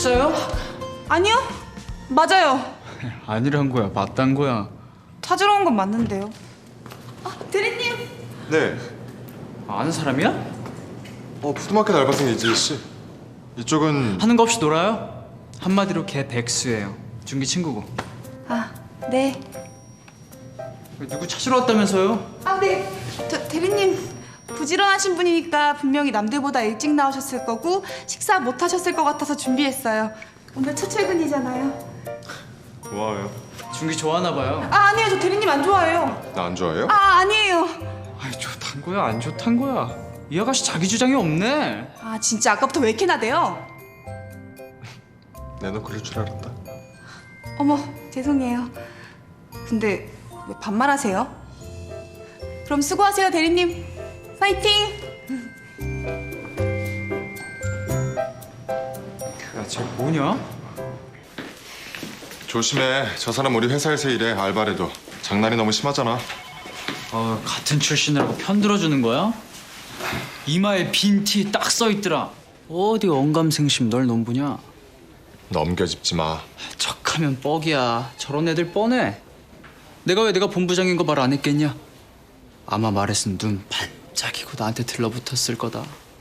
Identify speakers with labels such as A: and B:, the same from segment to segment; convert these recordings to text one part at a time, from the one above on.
A: 진짜요?
B: 아니요. 맞아요.
A: 아니란 거야, 맞단 거야.
B: 찾으러 온 건 맞는데요. 대리님.
C: 네.
A: 아는 사람이야?
C: 푸드마켓 알바생 이지희 씨. 이쪽은
A: 하는 거 없이 놀아요? 한마디로 걔 백수예요. 준기 친구고.
B: 네.
A: 누구 찾으러 왔다면서요?
B: 네. 대리님. 부지런하신 분이니까 분명히 남들보다 일찍 나오셨을 거고 식사 못 하셨을 것 같아서 준비했어요. 오늘 첫 출근이잖아요.
C: 고마워요.
A: 준기 좋아하나 봐요.
B: 아니에요. 저 대리님 안 좋아해요.
C: 나 안 좋아해요?
B: 아니에요.
A: 아이, 좋단 거야, 안 좋단 거야. 이 아가씨 자기 주장이 없네.
B: 진짜 아까부터 왜 이렇게 나대요?
C: 내너 그럴 줄 알았다.
B: 어머, 죄송해요. 근데 왜 반말하세요? 그럼 수고하세요, 대리님. 파이팅!
A: 야, 쟤 뭐냐?
C: 조심해. 저 사람 우리 회사에서 일해. 알바래도. 장난이 너무 심하잖아.
A: 같은 출신이라고 편들어주는 거야? 이마에 빈 티 딱 써있더라. 어디 언감생심 널 넘보냐?
C: 넘겨짚지 마.
A: 척하면 뻑이야. 저런 애들 뻔해. 내가 본부장인 거 말 안 했겠냐? 아마 말했으면 눈 반짝이고 나한테 들러붙었을 거다.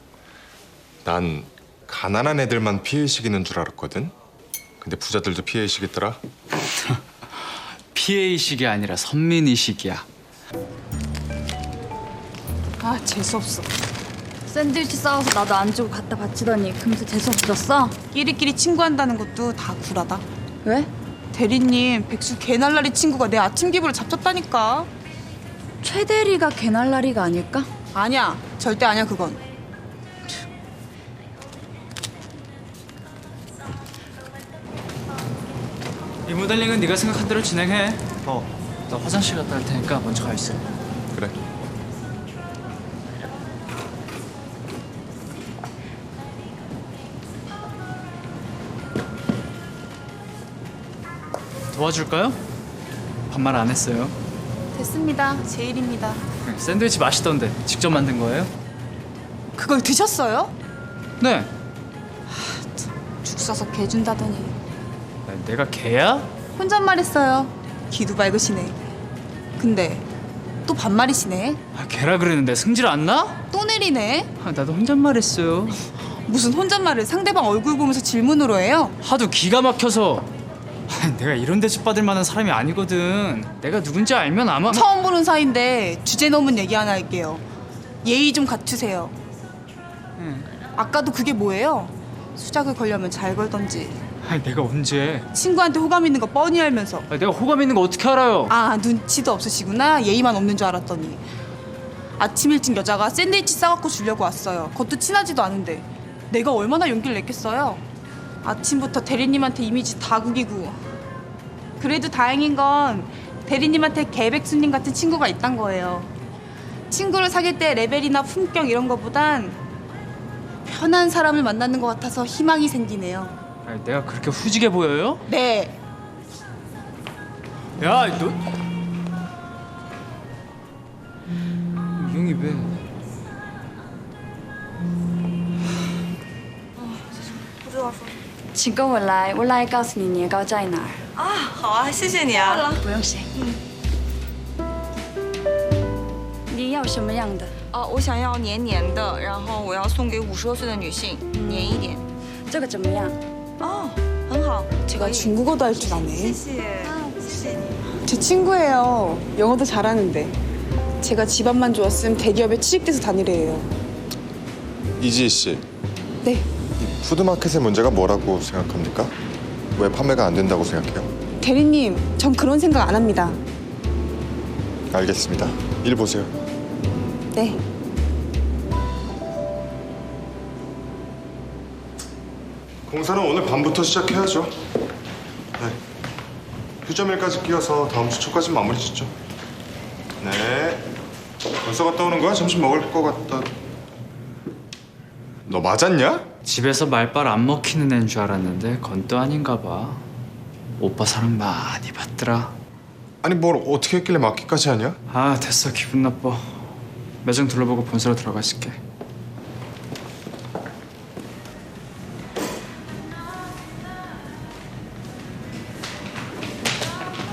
C: 난 가난한 애들만 피해의식 있는 줄 알았거든. 근데 부자들도 피해의식 있더라.
A: 피해의식이 아니라 선민의식이야.
B: 재수없어.
D: 샌드위치 싸워서 나도 안 주고 갖다 바치더니 금세 재수없어졌어?
B: 끼리끼리 친구한다는 것도 다 구라다.
D: 왜?
B: 대리님, 백수 개날라리 친구가 내 아침 기분을 잡쳤다니까.
D: 최대리가 개날라리가 아닐까?
B: 아니야, 절대 아니야 그건.
A: 이 모델링은 네가 생각한 대로 진행해. 나 화장실 갔다 올 테니까 먼저 가 있어.
C: 그래.
A: 도와줄까요? 반말 안 했어요.
B: 됐습니다. 제 일입니다.
A: 샌드위치 맛있던데 직접 만든 거예요?
B: 그걸 드셨어요?
A: 네.
B: 죽 써서 개 준다더니.
A: 내가 개야?
B: 혼잣말했어요. 기도 밝으시네. 근데 또 반말이시네.
A: 개라 그랬는데 승질 안 나?
B: 또 내리네.
A: 나도 혼잣말했어요.
B: 무슨 혼잣말을 상대방 얼굴 보면서 질문으로 해요?
A: 하도 기가 막혀서. 내가 이런 대접 받을 만한 사람이 아니거든. 내가 누군지 알면 아마
B: 처음 보는 사이인데 주제 넘은 얘기 하나 할게요. 예의 좀 갖추세요. 아까도 그게 뭐예요? 수작을 걸려면 잘 걸던지.
A: 내가 언제?
B: 친구한테 호감 있는 거 뻔히 알면서.
A: 내가 호감 있는 거 어떻게 알아요?
B: 눈치도 없으시구나. 예의만 없는 줄 알았더니. 아침 일찍 여자가 샌드위치 싸갖고 주려고 왔어요. 그것도 친하지도 않은데 내가 얼마나 용기를 냈겠어요. 아침부터 대리님한테 이미지 다 구기고. 그래도 다행인 건 대리님한테 개백수님 같은 친구가 있단 거예요. 친구를 사귈 때 레벨이나 품격 이런 거보단 편한 사람을 만나는 것 같아서 희망이 생기네요.
A: 내가 그렇게 후지게 보여요?
B: 네.
A: 야, 너 이 형이 왜?
D: 请跟我来，我来告诉你年糕在哪儿。
E: 好啊，谢谢你啊。
D: 不用谢。你要什么样的？
E: 我想要黏黏的，然后我要送给50多岁的女性，黏一点。
D: 这个怎么样？
E: 很好。
B: 제가 중국어도 할 줄
E: 谢
B: 아네.
E: 谢，谢谢你。
B: 제 친구예요. 영어도 잘하는데. 제가 집안만 좋았으면 대기업에 취직돼서 다니래요.
C: 이지희 씨.
B: 네.
C: 이 푸드마켓의 문제가 뭐라고 생각합니까? 왜 판매가 안 된다고 생각해요?
B: 대리님, 전 그런 생각 안 합니다.
C: 알겠습니다. 일 보세요.
B: 네.
C: 공사는 오늘 밤부터 시작해야죠. 네. 휴점일까지 끼워서 다음 주 초까지 마무리 짓죠. 네. 벌써 갔다 오는 거야? 점심 먹을 거 같다. 너 맞았냐?
A: 집에서 말빨 안 먹히는 애인 줄 알았는데 건 또 아닌가 봐. 오빠 사랑 많이 받더라.
C: 아니 뭘 어떻게 했길래 맞기까지 하냐?
A: 됐어. 기분 나빠. 매장 둘러보고 본사로 들어가 있을게.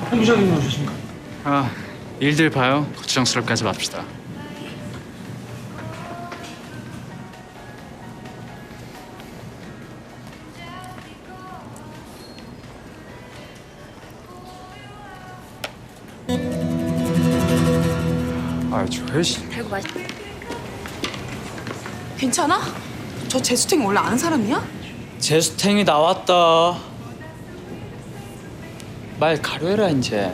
F: 본부장님 오셨습니까?
A: 아, 일들 봐요. 걱정스럽게 하지 맙시다. 아, 저 회식.
D: 달고 맛있.
B: 괜찮아? 저 재수탱이 원래 아는 사람이야?
A: 제수탱이 나왔다. 말 가려해라 이제.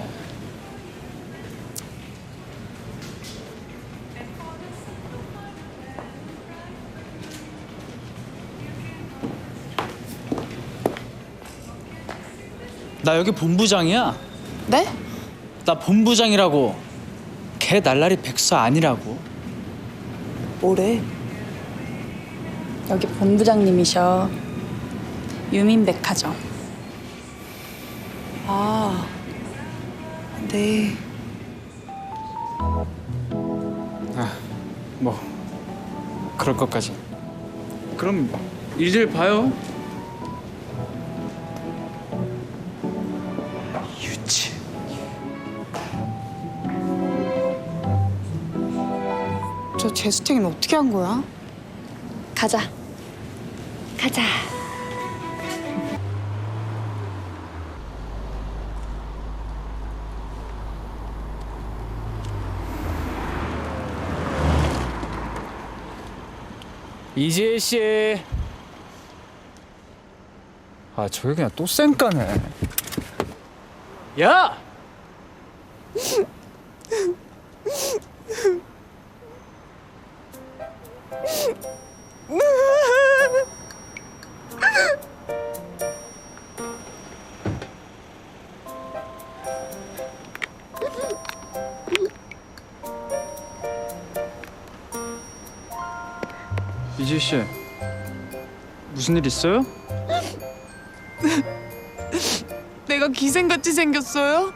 A: 나 여기 본부장이야.
B: 네?
A: 나 본부장이라고. 걔 날라리 백수 아니라고.
B: 뭐래?
G: 여기 본부장님이셔. 유민백화점.
B: 아, 네.
A: 뭐 그럴 것까지. 그럼 일들 봐요. 유치.
B: 저 재수탱이는 어떻게 한 거야?
G: 가자. 가자.
A: 이지혜 씨. 아, 저게 그냥 또 쌩까네. 야! 이지혜 씨, 무슨 일 있어요?
B: 내가 기생같이 생겼어요?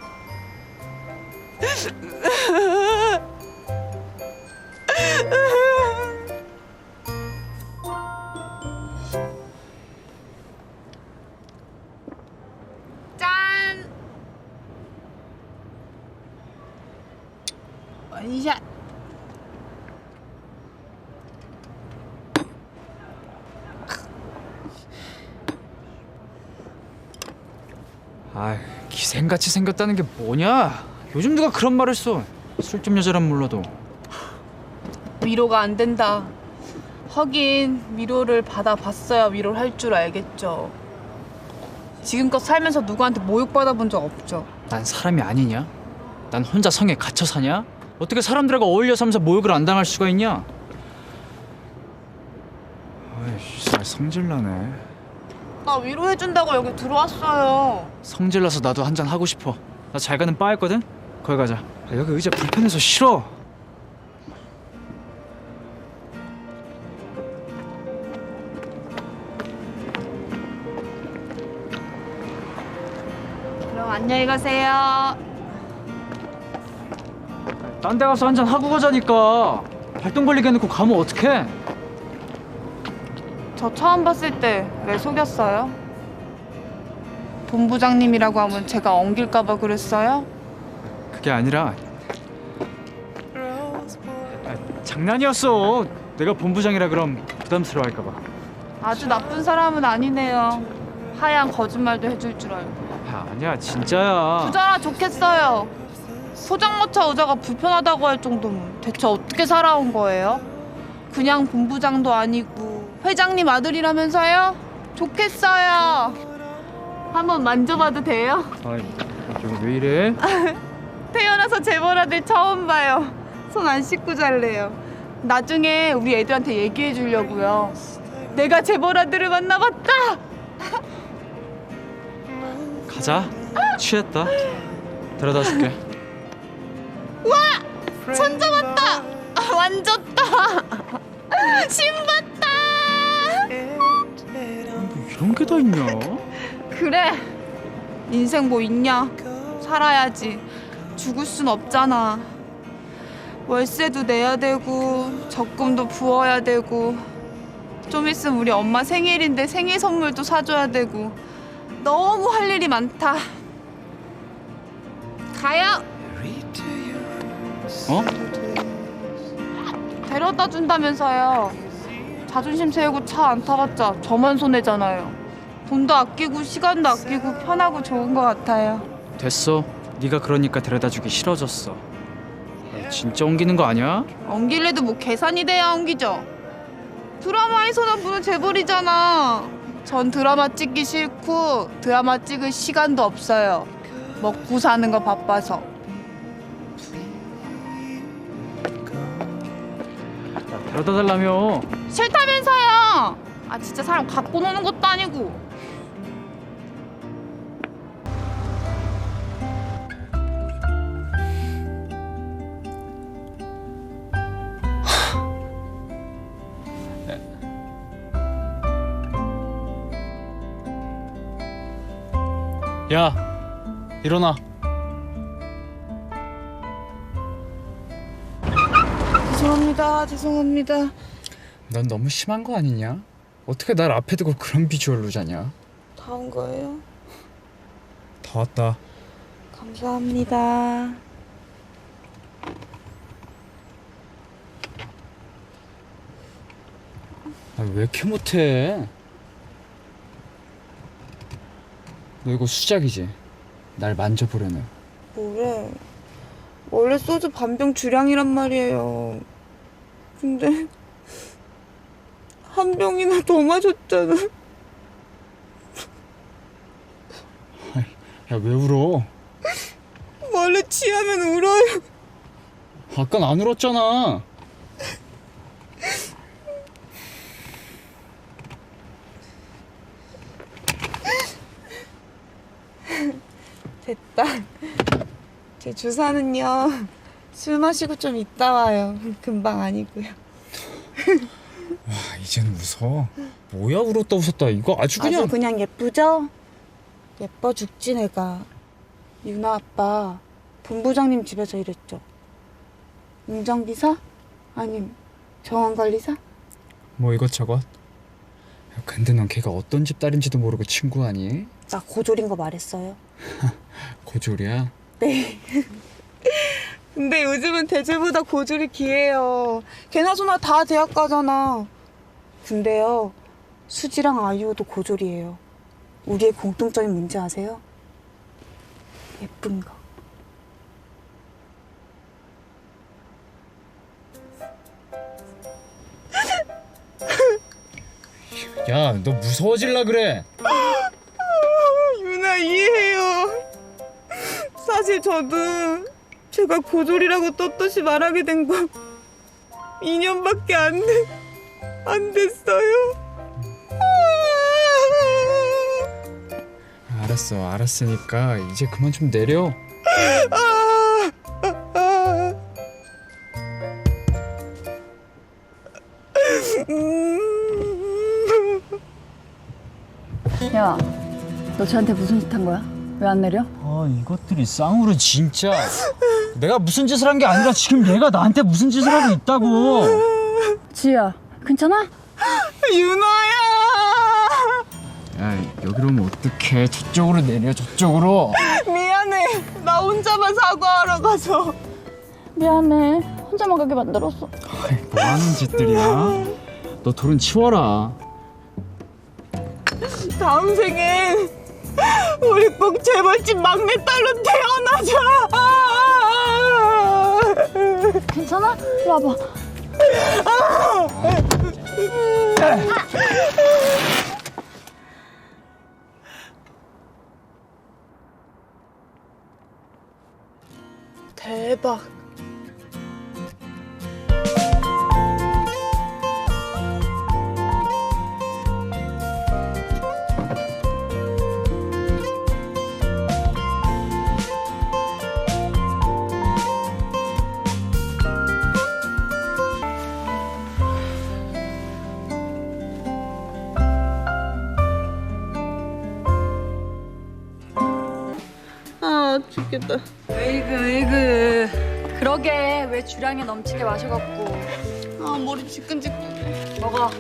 B: 짠! 원샷!
A: 아, 기생같이 생겼다는 게 뭐냐? 요즘 누가 그런 말을 써? 술집 여자란 몰라도.
B: 위로가 안 된다. 하긴 위로를 받아봤어야 위로를 할 줄 알겠죠. 지금껏 살면서 누구한테 모욕받아 본 적 없죠.
A: 난 사람이 아니냐? 난 혼자 성에 갇혀 사냐? 어떻게 사람들하고 어울려 살면서 모욕을 안 당할 수가 있냐? 아이씨, 성질나네.
B: 나 위로해준다고 여기 들어왔어요.
A: 성질나서 나도 한잔 하고 싶어. 나 잘 가는 바 있거든? 거기 가자. 아, 여기 의자 불편해서 싫어.
B: 그럼 안녕히 가세요.
A: 딴 데 가서 한잔 하고 가자니까. 발동 걸리게 해놓고 가면 어떡해?
B: 저 처음 봤을 때 왜 속였어요? 본부장님이라고 하면 제가 엉길까봐 그랬어요?
A: 그게 아니라 장난이었어. 내가 본부장이라 그럼 부담스러워할까 봐.
B: 아주 나쁜 사람은 아니네요. 하얀 거짓말도 해줄 줄 알고.
A: 아, 아니야 진짜야.
B: 부자라 좋겠어요. 포장마차 의자가 불편하다고 할 정도면 대체 어떻게 살아온 거예요? 그냥 본부장도 아니고 회장님 아들이라면서요? 좋겠어요. 한번 만져봐도 돼요?
A: 아이, 이거 왜 이래?
B: 태어나서 재벌 아들 처음 봐요. 손 안 씻고 잘래요. 나중에 우리 애들한테 얘기해 주려고요. 내가 재벌 아들을 만나봤다.
A: 가자. 취했다. 데려다 줄게.
B: 손 잡았다. 만졌다. 신봤다.
A: 이런 게 다 있냐?
B: 그래. 인생 뭐 있냐? 살아야지. 죽을 순 없잖아. 월세도 내야 되고 적금도 부어야 되고 좀 있으면 우리 엄마 생일인데 생일 선물도 사줘야 되고 너무 할 일이 많다. 가요.
A: 어?
B: 데려다 준다면서요. 자존심 세우고 차 안 타봤자 저만 손해잖아요. 돈도 아끼고 시간도 아끼고 편하고 좋은 것 같아요.
A: 됐어. 네가 그러니까 데려다주기 싫어졌어. 진짜 옮기는 거 아니야?
B: 옮길래도 뭐 계산이 돼야 옮기죠. 드라마에서나 보는 재벌이잖아. 전 드라마 찍기 싫고 드라마 찍을 시간도 없어요. 먹고 사는 거 바빠서.
A: 데려다 달라며.
B: 싫다면서요. 아 진짜 사람 갖고 노는 것도 아니고.
A: 야, 일어나.
B: 죄송합니다.
A: 넌 너무 심한 거 아니냐? 어떻게 날 앞에 두고 그런 비주얼로 자냐?
B: 다 온 거예요?
A: 다 왔다.
B: 감사합니다.
A: 아, 왜 이렇게 못해? 너 이거 수작이지? 날 만져보려는.
B: 뭐래? 원래 소주 반병 주량이란 말이에요. 근데 한 병이나 더 마셨잖아.
A: 야, 왜 울어?
B: 원래 취하면 울어요.
A: 아깐 안 울었잖아.
B: 됐다. 제 주사는요. 술 마시고 좀 있다 와요. 금방 아니고요.
A: 아, 이젠 웃어. 뭐야, 울었다 웃었다. 이거 아주
B: 아주
A: 그냥.
B: 그냥 예쁘죠? 예뻐 죽지 내가. 유나 아빠 본부장님 집에서 일했죠. 운전기사? 아님 정원관리사?
A: 뭐 이것저것. 야, 근데 넌 걔가 어떤 집 딸인지도 모르고 친구하니?
B: 나 고졸인 거 말했어요.
A: 고졸이야?
B: 네. 근데 요즘은 대졸보다 고졸이 귀해요. 걔나소나 다 대학 가잖아. 근데요, 수지랑 아이유도 고졸이에요. 우리의 공통점이 뭔지 아세요? 예쁜 거.
A: 야, 너 무서워질라 그래.
B: 유나 이해해요. 사실 저도 제가 고졸이라고 떳떳이 말하게 된 거 2년밖에 안 됐어요.
A: 알았으니까 이제 그만 좀 내려.
D: 야, 너 쟤한테 무슨 짓 한 거야? 왜 안 내려?
A: 아, 이것들이 쌍으로 진짜. 내가 무슨 짓을 한 게 아니라 지금 얘가 나한테 무슨 짓을 하고 있다고.
D: 지희야, 괜찮아?
B: 유나야.
A: 야, 여기로 오면 어떡해. 저쪽으로 내려, 저쪽으로.
B: 미안해. 나 혼자만 사과하러 가서.
D: 미안해. 혼자만 가게 만들었어.
A: 뭐 하는 짓들이야? 너 돌은 치워라.
B: 다음 생엔 우리 꼭 재벌집 막내딸로 태어나자.
D: 괜찮아? 이리 와봐.
B: 대박. 아 죽겠다.
D: 으이그. 그러게 왜 주량에 넘치게 마셔갖고.
B: 아 머리 지끈지끈해.
D: 먹어.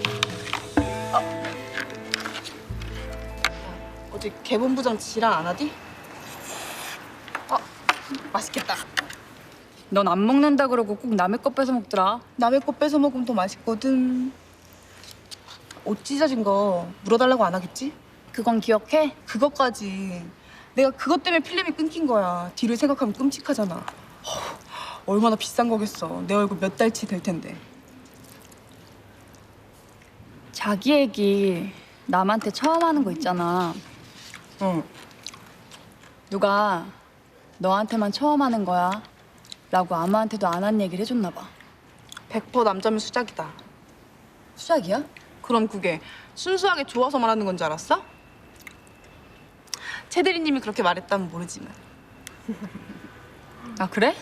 B: 어제 개본부장 지랄 안 하디? 맛있겠다.
D: 넌 안 먹는다 그러고 꼭 남의 거 뺏어 먹더라.
B: 남의 거 뺏어 먹으면 더 맛있거든. 옷 찢어진 거 물어달라고 안 하겠지?
D: 그건 기억해?
B: 그것까지. 내가 그것 때문에 필름이 끊긴 거야. 뒤를 생각하면 끔찍하잖아. 얼마나 비싼 거겠어. 내 얼굴 몇 달치 될 텐데.
D: 자기 얘기 남한테 처음 하는 거 있잖아.
B: 응.
D: 누가 너한테만 처음 하는 거야 라고 아무한테도 안 한 얘기를 해줬나 봐.
B: 100% 남자면 수작이다.
D: 수작이야?
B: 그럼 그게 순수하게 좋아서 말하는 건 줄 알았어? 최 대리님이 그렇게 말했다면 모르지만.
D: 아 그래?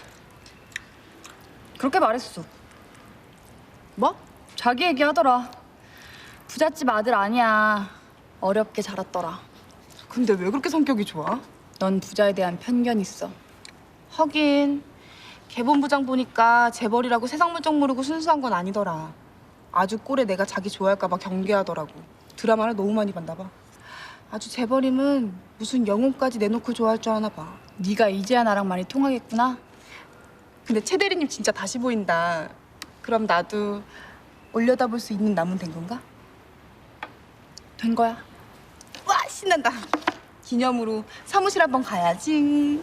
D: 그렇게 말했어.
B: 뭐?
D: 자기 얘기하더라. 부잣집 아들 아니야. 어렵게 자랐더라.
B: 근데 왜 그렇게 성격이 좋아?
D: 넌 부자에 대한 편견 있어.
B: 하긴 개본부장 보니까 재벌이라고 세상 물정 모르고 순수한 건 아니더라. 아주 꼴에 내가 자기 좋아할까 봐 경계하더라고. 드라마를 너무 많이 봤나 봐. 아주 재벌임은 무슨 영혼까지 내놓고 좋아할 줄 아나 봐.
D: 네가 이제야 나랑 많이 통하겠구나.
B: 근데 최 대리님 진짜 다시 보인다. 그럼 나도 올려다볼 수 있는 남은 된 건가?
D: 된 거야.
B: 와 신난다. 기념으로 사무실 한번 가야지.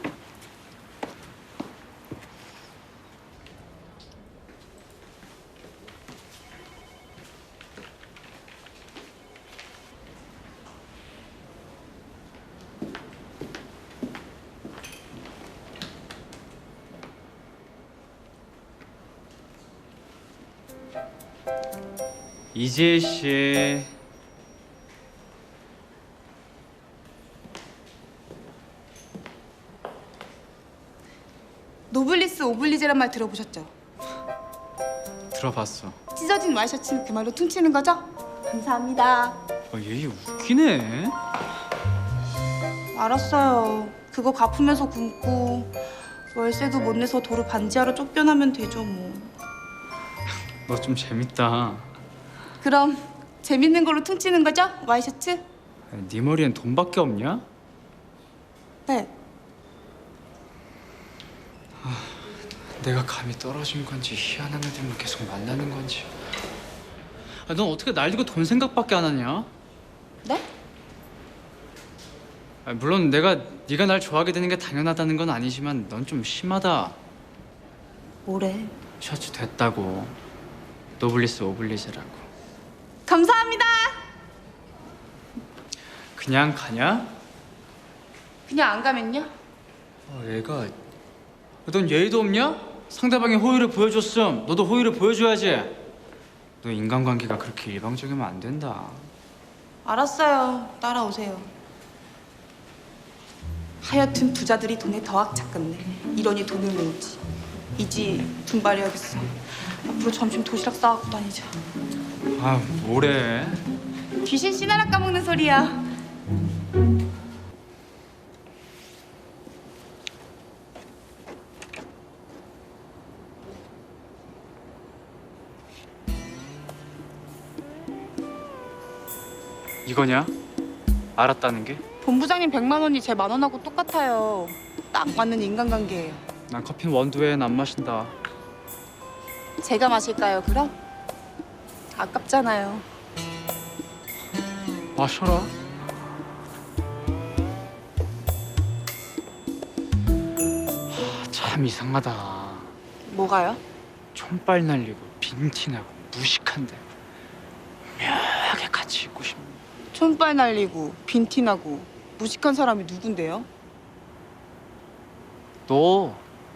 A: 이지혜 씨.
B: 노블리스 오블리제란 말 들어보셨죠?
A: 들어봤어.
B: 찢어진 와이셔츠는 그 말로 퉁치는 거죠? 감사합니다.
A: 얘 웃기네.
B: 알았어요. 그거 갚으면서 굶고 월세도 못 내서 도로 반지하러 쫓겨나면 되죠 뭐.
A: 너 좀 재밌다.
B: 그럼 재밌는 걸로 퉁치는 거죠? 와이셔츠?
A: 네 머리엔 돈밖에 없냐?
B: 네.
A: 내가 감이 떨어진 건지 희한한 애들만 계속 만나는 건지. 넌 어떻게 날 두고 돈 생각밖에 안 하냐?
B: 네?
A: 물론 내가 네가 날 좋아하게 되는 게 당연하다는 건 아니지만 넌 좀 심하다.
B: 뭐래?
A: 셔츠 됐다고. 노블리스 오블리제라고.
B: 감사합니다.
A: 그냥 가냐?
B: 그냥 안 가면요?
A: 얘가 넌 예의도 없냐? 상대방이 호의를 보여줬음 너도 호의를 보여줘야지. 너 인간관계가 그렇게 일방적이면 안 된다.
B: 알았어요. 따라오세요. 하여튼 부자들이 돈에 더 악착같네. 이러니 돈을 모으지. 이지 분발해야겠어. 앞으로 점심 도시락 싸갖고 다니자.
A: 아 뭐래.
B: 귀신 씨나라 까먹는 소리야.
A: 이거냐? 알았다는 게?
B: 본부장님 100만 원이 제 10,000원하고 똑같아요. 딱 맞는 인간관계예요.
A: 난 커피는 원두엔 안 마신다.
B: 제가 마실까요, 그럼? 아깝잖아요.
A: 마셔라. 참 이상하다.
B: 뭐가요?
A: 촌빨 날리고 빈티나고 무식한데 묘하게 같이 있고 싶네.
B: 촌빨 날리고 빈티나고 무식한 사람이 누군데요?
A: 너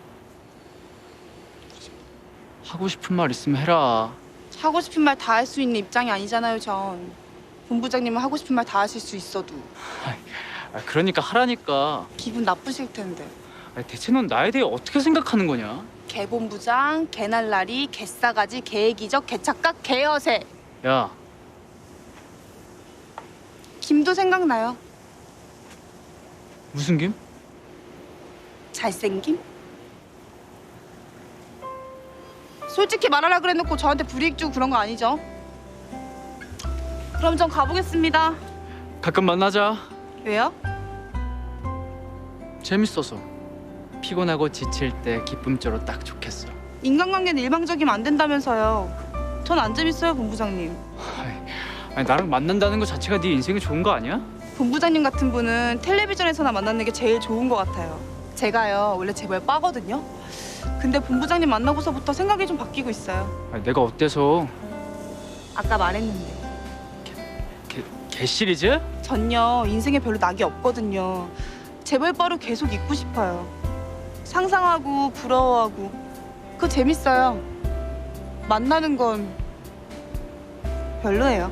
A: 하고 싶은 말 있으면 해라.
B: 하고 싶은 말 다 할 수 있는 입장이 아니잖아요, 전. 본부장님은 하고 싶은 말 다 하실 수 있어도
A: 그러니까 하라니까.
B: 기분 나쁘실 텐데.
A: 대체 넌 나에 대해 어떻게 생각하는 거냐?
B: 개본부장, 개날라리, 개싸가지, 개이기적, 개착각, 개여세.
A: 야,
B: 김도 생각나요.
A: 무슨 김?
B: 잘생김? 솔직히 말하라 그래놓고 저한테 불이익 주고 그런 거 아니죠? 그럼 전 가보겠습니다.
A: 가끔 만나자.
B: 왜요?
A: 재밌어서. 피곤하고 지칠 때 기쁨조로 딱 좋겠어.
B: 인간관계는 일방적이면 안 된다면서요. 전 안 재밌어요, 본부장님.
A: 아니 나랑 만난다는 거 자체가 네 인생에 좋은 거 아니야?
B: 본부장님 같은 분은 텔레비전에서나 만나는 게 제일 좋은 것 같아요. 제가요, 원래 재벌 빠거든요. 근데 본부장님 만나고서부터 생각이 좀 바뀌고 있어요.
A: 아니, 내가 어때서?
B: 아까 말했는데.
A: 개 시리즈?
B: 전요, 인생에 별로 낙이 없거든요. 재벌 바로 계속 있고 싶어요. 상상하고 부러워하고 그거 재밌어요. 만나는 건 별로예요.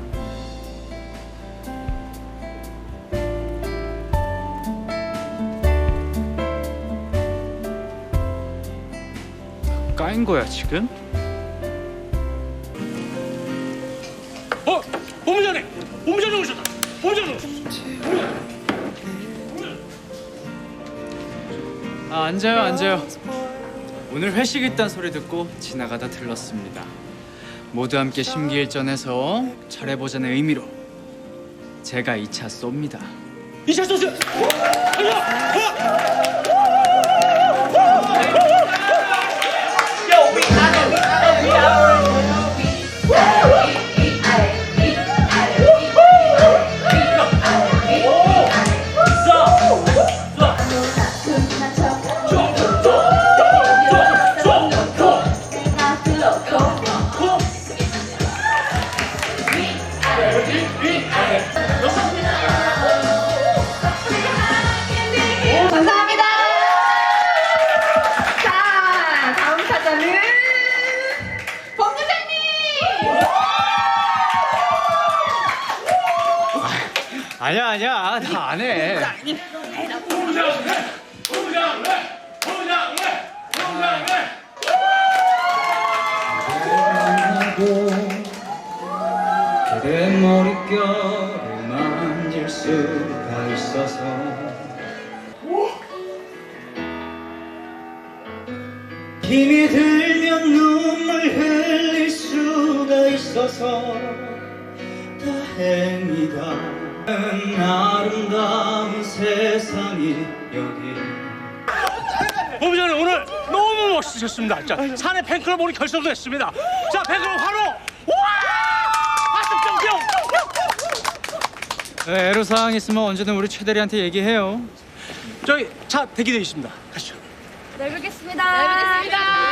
A: 까인 거야 지금?
F: 본부장님! 본부장님 오셨다! 본부장님 오셨다!
A: 아 앉아요. 오늘 회식 있단 소리 듣고 지나가다 들렀습니다. 모두 함께 심기일전해서 잘해보자는 의미로 제가 2차 쏩니다.
F: 2차 소스!
E: 감사합니다. 자, 다음 타자는 본부장님.
A: 아니야 나 안 해. 그대 머릿결을 만질 수가 있어서 힘이 들면 눈물 흘릴 수가 있어서 다행이다. 아름다운 세상이 여기.
F: 본부장님 오늘 너무 멋지셨습니다. 자, 사내 팬클럽 오늘 결성도 했습니다. 자, 팬클럽 환호! 와! 박수 뿅뿅!
A: 애로사항 있으면 언제든 우리 최 대리한테 얘기해요.
F: 저희 차 대기되어 있습니다. 가시죠.
D: 내일 뵙겠습니다.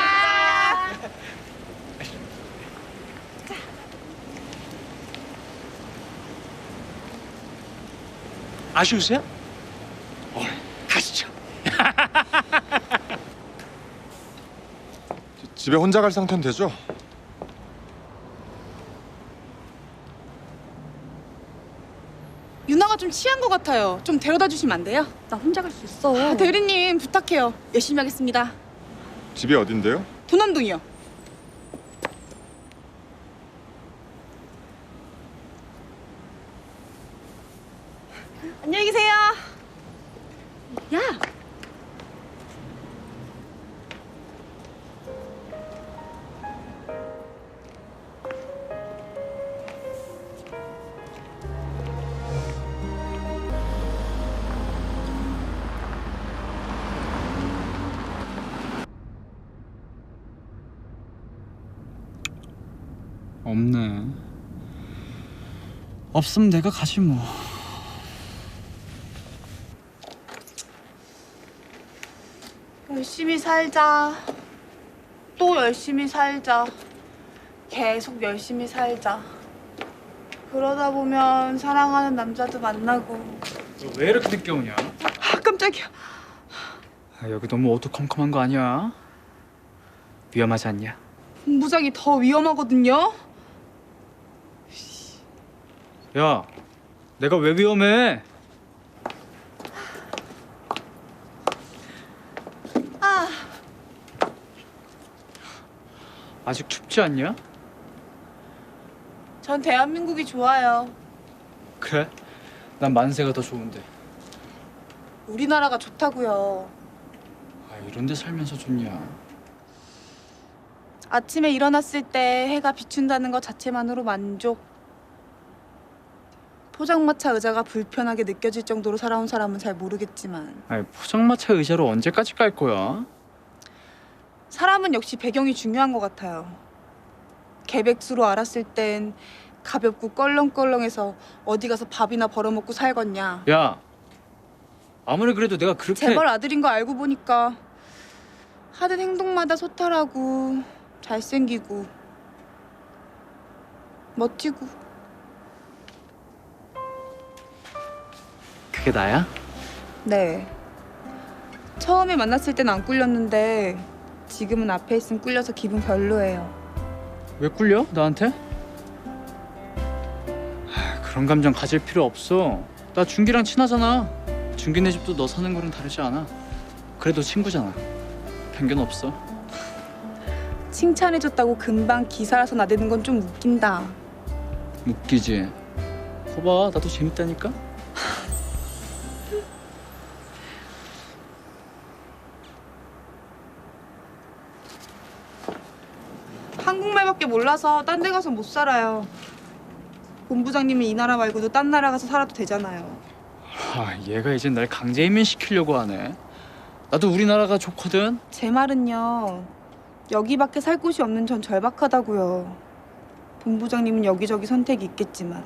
F: 아쉬우세요? 가시죠.
C: 집에 혼자 갈 상태는 되죠?
B: 유나가 좀 취한 것 같아요. 좀 데려다 주시면 안 돼요?
D: 나 혼자 갈 수 있어.
B: 아, 대리님 부탁해요. 열심히 하겠습니다.
C: 집이 어딘데요?
B: 도남동이요. 안녕히 계세요. 야,
A: 없네. 없으면 내가 가지 뭐.
B: 열심히 살자. 또 열심히 살자. 계속 열심히 살자. 그러다 보면 사랑하는 남자도 만나고.
A: 너 왜 이렇게 늦게 오냐?
B: 아, 깜짝이야.
A: 아, 여기 너무 어두컴컴한 거 아니야? 위험하지 않냐?
B: 본부장이 더 위험하거든요.
A: 야, 내가 왜 위험해?
B: 아,
A: 아직 춥지 않냐?
B: 전 대한민국이 좋아요.
A: 그래? 난 만세가 더 좋은데.
B: 우리나라가 좋다고요.
A: 아, 이런 데 살면서 좋냐?
B: 아침에 일어났을 때 해가 비춘다는 것 자체만으로 만족. 포장마차 의자가 불편하게 느껴질 정도로 살아온 사람은 잘 모르겠지만
A: 아니 포장마차 의자로 언제까지 깔 거야?
B: 사람은 역시 배경이 중요한 것 같아요. 개백수로 알았을 땐 가볍고 껄렁껄렁해서 어디 가서 밥이나 벌어먹고 살겠냐.
A: 야 아무리 그래도 내가 그렇게
B: 재벌 아들인 거 알고 보니까 하는 행동마다 소탈하고 잘생기고 멋지고.
A: 그게 나야?
B: 네. 처음에 만났을 땐 안 꿀렸는데 지금은 앞에 있으면 꿀려서 기분 별로예요.
A: 왜 꿀려? 나한테? 그런 감정 가질 필요 없어. 나 준기랑 친하잖아. 준기네 집도 너 사는 거랑 다르지 않아. 그래도 친구잖아. 편견 없어.
B: 칭찬해줬다고 금방 기사라서 나대는 건 좀 웃긴다.
A: 웃기지? 거봐 나도 재밌다니까?
B: 한국말밖에 몰라서 딴 데 가서 못 살아요. 본부장님은 이 나라 말고도 딴 나라 가서 살아도 되잖아요.
A: 얘가 이제 날 강제 이민시키려고 하네. 나도 우리나라가 좋거든.
B: 제 말은요. 여기밖에 살 곳이 없는 전 절박하다고요. 본부장님은 여기저기 선택이 있겠지만.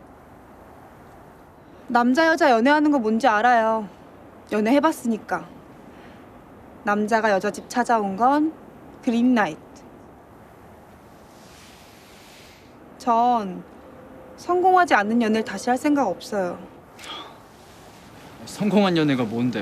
B: 남자 여자 연애하는 거 뭔지 알아요. 연애해봤으니까. 남자가 여자 집 찾아온 건 그린라이트. 전 성공하지 않는 연애를 다시 할 생각 없어요.
A: 성공한 연애가 뭔데?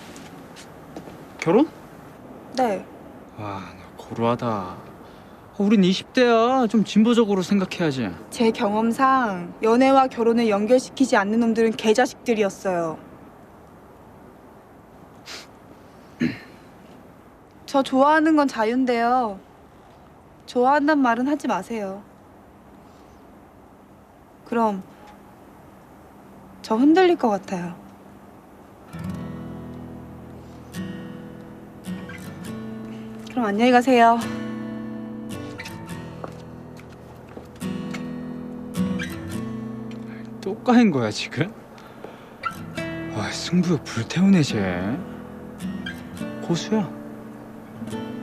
A: 결혼?
B: 네.
A: 와, 너 고루하다. 우린 20대야. 좀 진보적으로 생각해야지.
B: 제 경험상 연애와 결혼을 연결시키지 않는 놈들은 개자식들이었어요. 저 좋아하는 건 자유인데요. 좋아한단 말은 하지 마세요. 그럼 저 흔들릴 것 같아요. 그럼 안녕히 가세요.
A: 또 까인 거야 지금? 와, 승부욕 불태우네 쟤. 고수야.